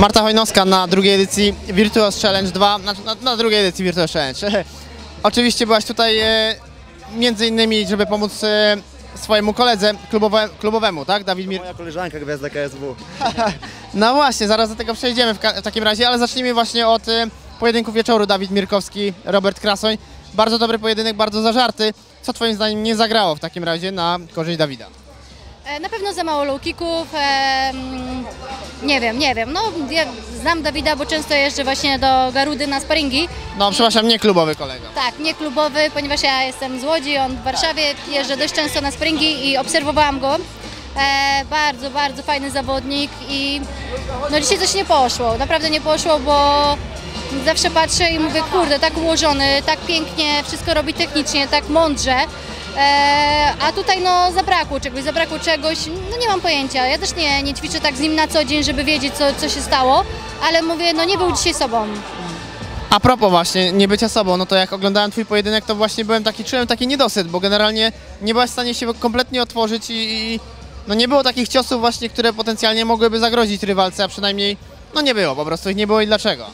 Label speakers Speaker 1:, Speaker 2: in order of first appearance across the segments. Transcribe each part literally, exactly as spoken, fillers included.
Speaker 1: Marta Hojnowska na drugiej edycji Virtuos Challenge dwa, na, na, na drugiej edycji Virtuos Challenge. Oczywiście byłaś tutaj e, między innymi, żeby pomóc e, swojemu koledze klubowe, klubowemu, tak? Dawid Mir...
Speaker 2: Moja koleżanka gwiazda K S W.
Speaker 1: No właśnie, zaraz do tego przejdziemy w, w takim razie, ale zacznijmy właśnie od e, pojedynku wieczoru. Dawid Mirkowski, Robert Krasoń. Bardzo dobry pojedynek, bardzo zażarty. Co twoim zdaniem nie zagrało w takim razie na korzyść Dawida?
Speaker 3: Na pewno za mało low kicków, e, nie wiem, nie wiem, no ja znam Dawida, bo często jeżdżę właśnie do Garudy na sparingi.
Speaker 1: No przepraszam, nie klubowy kolega.
Speaker 3: Tak, nie klubowy, ponieważ ja jestem z Łodzi, on w Warszawie, jeżdżę dość często na sparingi i obserwowałam go. E, bardzo, bardzo fajny zawodnik i no dzisiaj coś nie poszło, naprawdę nie poszło, bo zawsze patrzę i mówię, kurde, tak ułożony, tak pięknie, wszystko robi technicznie, tak mądrze. E, a tutaj no zabrakło czegoś, zabrakło czegoś, no nie mam pojęcia, ja też nie, nie ćwiczę tak z nim na co dzień, żeby wiedzieć co, co się stało, ale mówię, no nie był dzisiaj sobą.
Speaker 1: A propos właśnie nie bycia sobą, no to jak oglądałem twój pojedynek, to właśnie byłem taki, czułem taki niedosyt, bo generalnie nie byłaś w stanie się kompletnie otworzyć i, i no nie było takich ciosów właśnie, które potencjalnie mogłyby zagrozić rywalce, a przynajmniej no nie było, po prostu ich nie było i dlaczego?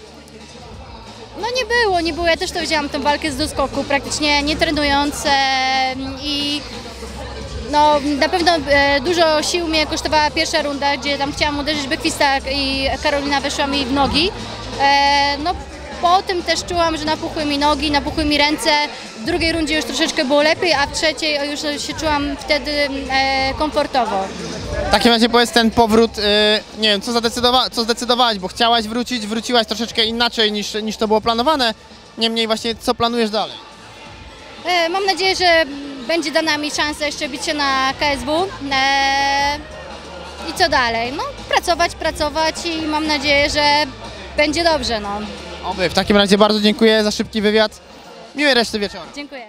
Speaker 3: No nie było, nie było, ja też to wzięłam tę walkę z doskoku, praktycznie nie trenując e, i no na pewno e, dużo sił mnie kosztowała pierwsza runda, gdzie tam chciałam uderzyć Bekwista i Karolina weszła mi w nogi. E, no po tym też czułam, że napuchły mi nogi, napuchły mi ręce, w drugiej rundzie już troszeczkę było lepiej, a w trzeciej już się czułam wtedy e, komfortowo.
Speaker 1: W takim razie powiedz ten powrót, yy, nie wiem, co, zadecydowa co zdecydowałaś, bo chciałaś wrócić, wróciłaś troszeczkę inaczej niż, niż to było planowane, niemniej właśnie co planujesz dalej?
Speaker 3: E, mam nadzieję, że będzie dana mi szansa jeszcze bić się na K S W e, i co dalej? No pracować, pracować i mam nadzieję, że będzie dobrze. No.
Speaker 1: Oby, w takim razie bardzo dziękuję za szybki wywiad, miłej reszty wieczoru.
Speaker 3: Dziękuję.